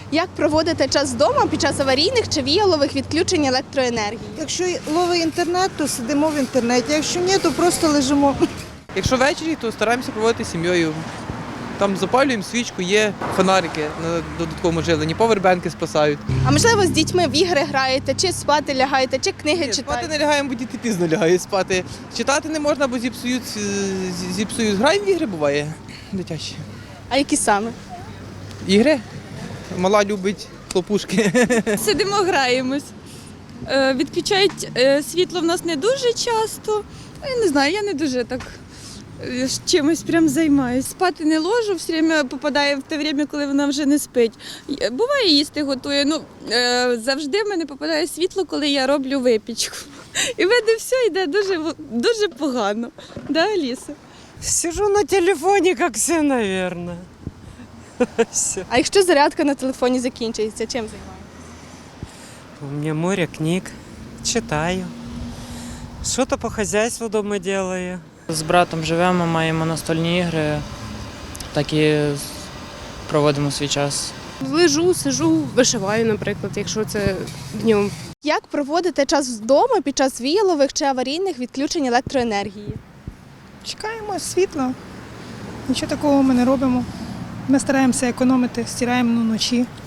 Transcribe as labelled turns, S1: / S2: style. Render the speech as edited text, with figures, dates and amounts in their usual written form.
S1: Як проводите час вдома під час аварійних чи віялових відключень електроенергії?
S2: Якщо ловить інтернет, то сидимо в інтернеті. Якщо ні, то просто лежимо.
S3: Якщо ввечері, то стараємося проводити з сім'єю. Там запалюємо свічку, є фонарики на додатковому живленні, повербенки спасають.
S1: А можливо, з дітьми в ігри граєте, чи спати лягаєте, чи книги
S3: Ні,
S1: читаєте?
S3: спати не лягаємо, бо діти пізно лягають спати. Читати не можна, бо зіпсують. Граємо в ігри, буває, дитячі.
S1: А які саме?
S3: Ігри? Мала любить хлопушки.
S4: Сидимо, граємось. Відключають світло в нас не дуже часто. Я не знаю, я не дуже так чимось прям займаюсь. Спати не ложу, все время попадає в те время, коли вона вже не спить. Буває, їсти готує. Завжди в мене попадає світло, коли я роблю випічку. І в мене все йде дуже погано. Да, Аліса?
S5: Сижу на телефоне, как все, наверное. Все.
S1: А якщо зарядка на телефоні закінчується, чим займаєтесь?
S5: У меня море книг, читаю. Что-то по хозяйству дома делаю.
S6: З братом живемо, маємо настольні ігри, так і проводимо свій час.
S7: Лежу, сижу, вишиваю, наприклад, якщо це днем.
S1: Як проводите час вдома під час віялових чи аварійних відключень електроенергії?
S8: Чекаємо світла. Нічого такого ми не робимо. Ми стараємося економити, стираємо вночі.